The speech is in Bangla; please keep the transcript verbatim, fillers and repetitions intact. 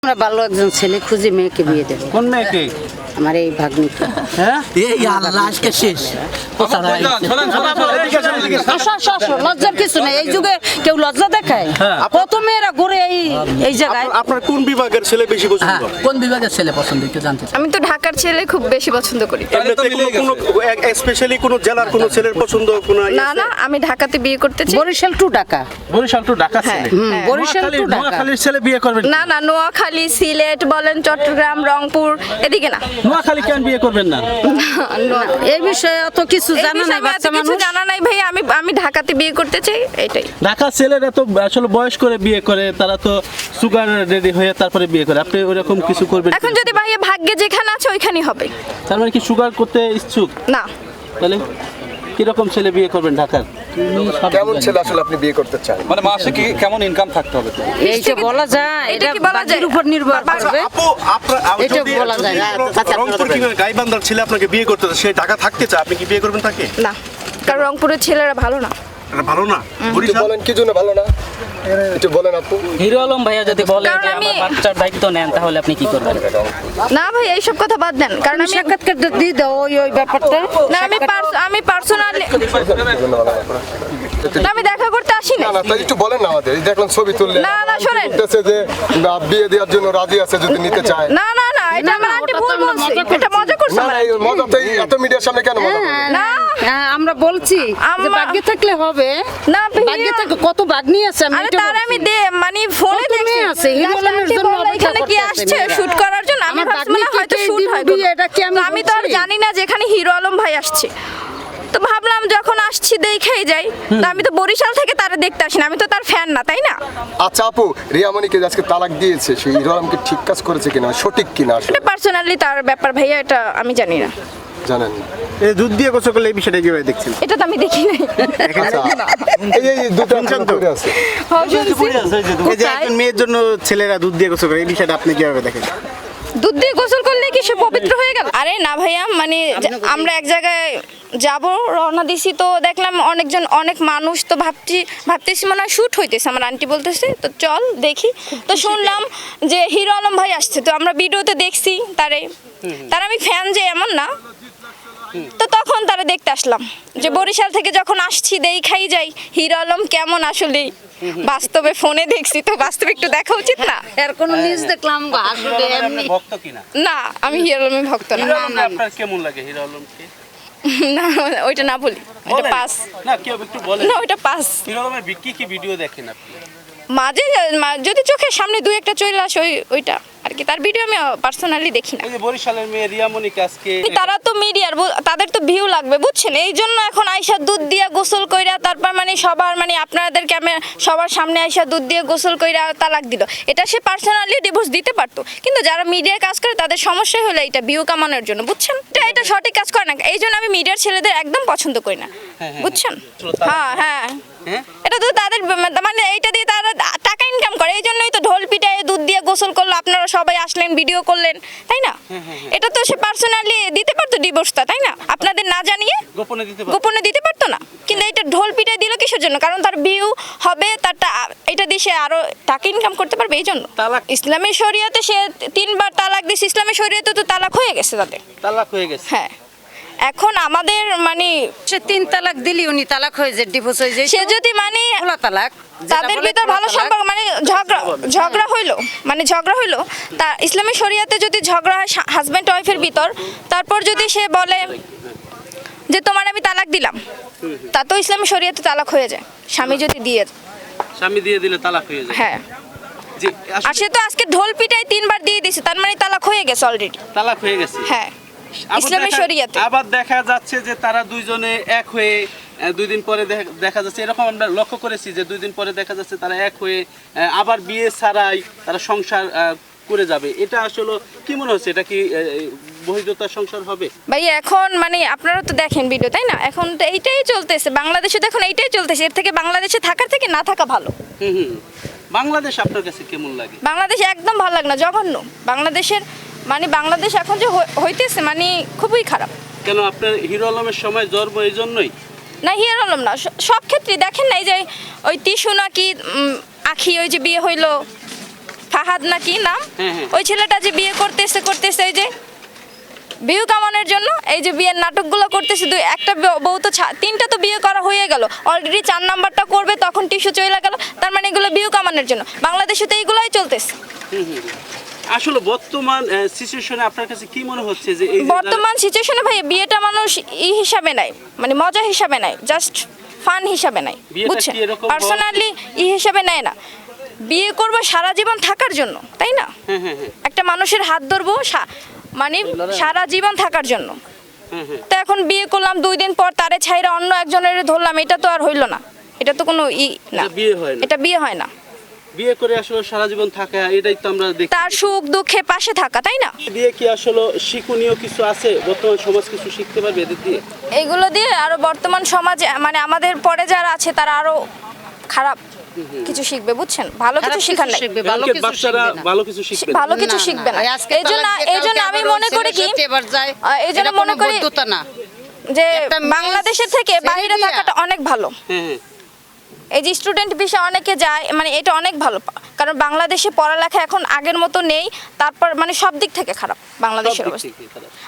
আমরা ভালো একজন ছেলে খুঁজে মেয়েকে বিয়ে দেব। কোন মেয়েকে? আমার এই ভাগ্নিকে। হ্যাঁ এই আল্লাহ আজকে শেষ লজ্জার কিছু নেই, এই যুগে কেউ লজ্জা দেখায়? কত মেয়েরা ঘুরে এই এই জায়গায়। আপনার কোন বিভাগের ছেলে বেশি পছন্দ? কোন বিভাগের ছেলে পছন্দ একটু জানতে চাই। আমি তো ঢাকার ছেলে খুব বেশি পছন্দ করি। এমনিতে কোনো কোনো স্পেশালি কোনো জেলার কোনো ছেলের পছন্দ কোনো না না, আমি ঢাকাতে বিয়ে করতে চাই। বরিশাল টু ঢাকা। বরিশাল টু ঢাকা হ্যাঁ, ছেলে? হ্যাঁ। বরিশাল টু ঢাকা। নোয়াখালীর ছেলে বিয়ে করবেন? না না, নোয়াখালী, সিলেট বলেন, চট্টগ্রাম, রংপুর, এদিকে না। নোয়াখালী কেন বিয়ে করবেন না? এই বিষয়ে অত কিছু এই জানা বিষয়ে নাই আমি এত বাচ্চা কিছু মানুষ। জানা নাই ভাই, আমি আমি ঢাকাতে বিয়ে করতে চাই, এটাই। ঢাকা ছেলেরা তো আসলে বয়স করে বিয়ে করে, তারা তো সুগার রেডি হয়ে তারপরে বিয়ে করে। আপনি ওরকম কিছু করবেন? এখন যদি ভাইয়া ভাগ্যে যেখানে আছে ওইখানেই হবে। তার মানে কি সুগার করতে ইচ্ছুক? না, তাহলে কিরকম ছেলে বিয়ে করবেন ঢাকার? কেমন ছেলে আসলে আপনি বিয়ে করতে চান? মানে মাসে কি কেমন ইনকাম থাকতে হবে? এই যে বলা যায়, এটা এটা কি বলা বাকির যায়? উপর নির্ভর করবে। আপু আপনার এটা যদি বলা যায় না। যদি রংপুর কিংবা গাইবান্ধার ছেলে আপনাকে বিয়ে করতে চায়, সে ঢাকা থাকতে চায়, আপনি কি বিয়ে করবেন তাকে? না, কারণ রংপুরের ছেলেরা ভালো না। এটা ভালো না? একটু বরিশাল বলেন কি জন্য ভালো না, একটু বলেন আপু। হিরো আলম ভাইয়া যদি বলে কারণ যে আমি- আমার বাচ্চার দায়িত্ব নেন, তাহলে আপনি কি করবেন? না ভাই, এইসব কথা বাদ দেন, কারণ তুমি আমি সাক্ষাৎকার দিয়ে দাও ওই ওই ব্যাপারটা। না আমি পার্স- আমি পার্সোনালি আমি দেখা করতে আসি না। না না, তাই একটু বলেন না আমাদের। এই দেখলাম ছবি তুললে না, না, শোনেন। বলতেছে যে না, বিয়ে দেওয়ার জন্য রাজি আছে যদি নিতে চায়। না না না, এটা আমার আন্টি ভুল বলছে, এটা মজা করছে না আমার না, এই aunty। মজা তো এই এত মিডিয়ার সামনে কেন মজা করবেন? না হ্যাঁ, আমরা বলছি যে আম্মা- ভাগ্যে থাকলে হবে। না ভাইয়া। ভাগ্যে থাকলে কত ভাগ্নি আছে আমি আরে এটা তার বলছি। আমি দে মানে ফোনে কত দেখছি মেয়ে আছে, হিরো Last আলমের aunty জন্য বললো অপেক্ষা এখানে কি করতেছে আসছে মেয়েরা। শুট করার জন্য। আমি আমার ভাবছিলাম ভাগ্নিকে হয়তো কে শুট দিবে হয় বিয়ে, কোনো। এটা কি আমি তো আমি তো আর বলছি? জানি না যে এখানে হিরো আলম ভাই আসছে, তো ভাবলাম যখন আসছি দেখেই যাই। তো আমি তো বরিশাল থেকে তারা দেখতে আসি না, আমি তো তার ফ্যান না, তাই না? আচ্ছা আপু, রিয়ামণিকে যে আজকে তালাক দিয়েছে, সেই হিরো আলমকে ঠিক কাজ করেছে কিনা, সঠিক কিনা আসলে এটা পার্সোনালি তার ব্যাপার ভাইয়া, এটা আমি জানি না। জানেন না? এই দুধ দিয়ে গোসল করলে এই বিষয়টা কিভাবে দেখছেন? এটা তো আমি দেখি নাই। আচ্ছা, এই এই দুটো এখনো পড়ে আছে। হ্যাঁ, শুনছি। এই যে একজন মেয়ের জন্য ছেলেরা দুধ দিয়ে গোসল করে, এই বিষয়টা আপনি কিভাবে দেখেন? দুধ দিয়ে গোসল করলে কি সে পবিত্র হয়ে গেল? আরে না ভাইয়া, মানে যে- আমরা এক জায়গায় যাব, রওনা দিছি, তো দেখলাম অনেকজন অনেক মানুষ, তো ভাবছি ভাবতেছি মনে হয় শ্যুট হইতেছে। আমার আন্টি বলতেছে তো চল দেখি, তো শুনলাম যে হিরো আলম ভাই আসছে, তো আমরা ভিডিওতে দেখছি তারে, তার আমি ফ্যান যে এমন না, তো তখন তারা দেখতে আসলাম যে বরিশাল থেকে যখন আসছি দেখাই যাই হিরো আলম কেমন আসলে বাস্তবে। ফোনে দেখছি তো বাস্তবে একটু দেখা উচিত না? এর কোনো নিউজ দেখলাম আসলে এমনি। ভক্ত কিনা? না, আমি হিরো আলমের ভক্ত না। হিরো আলমকে আপনার কেমন লাগে? হিরো আলমকে না, ওইটা না বলি, ওইটা বলেন। পাস। না কেউ একটু বলেন। না, ওইটা পাস। হিরো আলমের কি কি ভিডিও দেখেন আপনি? মাঝে মা- যদি চোখের সামনে দুই একটা চলে আসে ওই ওইটা আর কি, তার ভিডিও আমি পার্সোনালি দেখি না। ওই যে বরিশালের মেয়ে রিয়ামণিকে আজকে তারা তো মিডিয়ার, তাদের তো ভিউ লাগবে, বুঝছেন? এই জন্য এখন আইসা দুধ দিয়া গোসল কইরা, তারপর মানে সবার মানে আপনাদের ক্যামেরা সবার সামনে আইসা দুধ দিয়ে গোসল কইরা তালাক দিল। এটা সে পার্সোনালি ডিভোর্স দিতে পারতো, কিন্তু যারা মিডিয়ায় কাজ করে তাদের সমস্যা হলো এটা ভিউ কামানোর জন্য, বুঝছেন? এটা এটা সঠিক কাজ করে না, এই জন্য আমি মিডিয়ার ছেলেদের একদম পছন্দ করি না, বুঝছেন? হ্যাঁ হ্যাঁ, হ্যাঁ? এটা তো তাদের মানে এইটা দিয়ে তারা টাকা ইনকাম করে, এই জন্যই তো ঢোল পিটায় দুধ দিয়ে গোসল করলো, আপনারা সবাই আসলেন ভিডিও করলেন, তাই না? এটা তো সে পার্সোনালি দিতে পারতো ডিভোর্সটা, তাই না? আপনাদের না জানিয়ে গোপনে দিতে পারবেন? গোপনে দিতে পারতো না, কিন্তু এটা ঢোল পিটায় দিল কিসের জন্য? কারণ তার ভিউ হবে, তার টা- এটা দিয়ে সে আরো টাকা ইনকাম করতে পারবে, এই জন্য। তালাক? ইসলামী শরিয়াতে সে তিনবার তালাক দিছে, ইসলামী শরিয়াতে তো তালাক হয়ে গেছে তাদের। তালাক হয়ে গেছে? হ্যাঁ, এখন আমাদের মানে সে তিন তালাক দিলি উনি তালাক হয়ে যায়, ডিভোর্স হয়ে যায়। সে যদি মানে খোলা তালাক, যেটা তাদের বলে ভিতর খোলা ভালো তালাক। সম্পর্ক, মানে ঝগড়া ঝগড়া হইলো, মানে ঝগড়া হইলো, তা ইসলামী শরিয়াতে যদি ঝগড়া হয় হাজব্যান্ড ওয়াইফের ভিতর, তারপর যদি সে বলে যে তোমার আমি তালাক দিলাম, তা তো ইসলামী শরিয়াতে তালাক হয়ে যায়, স্বামী যদি দিয়ে। স্বামী দিয়ে দিলে তালাক হয়ে যায়? হ্যাঁ, জি, আসলে আর সে তো আজকে ঢোল পিটাই তিনবার দিয়ে দিছে, তার মানে তালাক হয়ে গেছে অলরেডি। তালাক হয়ে গেছে। হ্যাঁ, আবার ইসলামী দেখা- শরিয়াতে। আবার দেখা যাচ্ছে যে তারা দুইজনে এক হয়ে আহ, দুই দিন পরে দেখা- দেখা যাচ্ছে, এরকম আমরা লক্ষ্য করেছি যে দুই দিন পরে দেখা যাচ্ছে তারা এক হয়ে আহ, আবার বিয়ে ছাড়াই তারা সংসার আহ, করে যাবে। এটা আসলে কি মনে হচ্ছে, এটা কি আহ, বহির্দতার সংসার হবে? ভাই এখন মানে আপনারা তো দেখেন ভিডিও, তাই না? এখন তো এইটাই চলতেছে বাংলাদেশে, তো এখন এইটাই চলতেছে, এর থেকে বাংলাদেশে থাকার থেকে না থাকা ভালো। হুম হুম। বাংলাদেশ আপনার কাছে কেমন লাগে? বাংলাদেশ একদম ভালো লাগে না, জঘন্য। বাংলাদেশের মানে বাংলাদেশ এখন যে হই- হইতেছে মানে খুবই খারাপ। কেন আপনার হিরো আলমের সময় জন্ম এই জন্যই? না, হিয়ার আলম না, স- সব ক্ষেত্রে দেখেন না, এই যে ওই তিশু নাকি উম, আখি ওই যে বিয়ে হইলো, ফাহাদ না কি নাম, হ্যাঁ, হ্যাঁ। ওই ছেলেটা যে বিয়ে করতেছে করতেছে এই যে বিয়ে কামানোর জন্য এই যে বিয়ের নাটকগুলো করতেছে, দুই একটা ব- বউ তো ছা- তিনটা তো বিয়ে করা হয়ে গেল অলরেডি, চার নাম্বারটা করবে তখন টিস্যু চলে গেল, তার মানে এগুলো বিয়ে কামানোর জন্য। বাংলাদেশে তো এইগুলাই চলতেছে। আসলে বর্তমান সিচুয়েশনে আপনার কাছে কি মনে হচ্ছে যে এই যে বর্তমান সিচুয়েশনে ভাই বিয়েটা মানুষ ই হিসাবে নাই, মানে মজা হিসাবে নাই, জাস্ট ফান হিসাবে নাই, বিয়েটা বুঝছেন? কি এরকম হওয়া পার্সোনালি ই হিসাবে নেয় না, বিয়ে করবো সারা জীবন থাকার জন্য, তাই না? হ্যাঁ হ্যাঁ হ্যাঁ একটা মানুষের হাত ধরবো সা- মানে সারা জীবন থাকার জন্য। হ্যাঁ হ্যাঁ তো এখন বিয়ে করলাম, দুই দিন পর তারে ছাইরা অন্য একজনের ধরলাম, এটা তো আর হইল না, এটা তো কোনো ই না, এটা বিয়ে হয় না। এটা বিয়ে হয় না। বিয়ে করে আসলে সারা জীবন থাকা, এটাই তো আমরা দেখি। তার সুখ দুঃখে পাশে থাকা, তাই না? দিয়ে কি আসলে শিক্ষণীয় কিছু আছে, বর্তমান সমাজ কিছু শিখতে পারবে এদের দিয়ে? এগুলো দিয়ে আরো বর্তমান সমাজে মানে আমাদের পরে যারা আছে তারা আরো খারাপ কিছু শিখবে, বুঝছেন? ভালো কিছু খারাপ শিখার কিছু নাই, শিখবে, ভালো এমনকি কিছু বাচ্চারা শিখবে না। ভালো কিছু শিখবে না। ভালো কিছু না, শিখবে না। না, আজকে এই জন্য তালাক দিয়ে এই জন্য কালকে আমি আবার মনে ওই করি কি ছেলের সাথে এবার যায়, আহ, এই জন্য এটা মনে কোনো করি বৈধতা না। যে একটা মেয়ে বাংলাদেশের থেকে ছেড়ে বাইরে দিয়া- থাকাটা অনেক ভালো। হ্যাঁ হ্যাঁ এই যে স্টুডেন্ট বিষয়ে অনেকে যায়, মানে এটা অনেক ভালো, কারণ বাংলাদেশে পড়ালেখা এখন আগের মতো নেই, তারপর মানে সব দিক থেকে খারাপ বাংলাদেশের সব দিক অবস্থা। থেকেই খারাপ।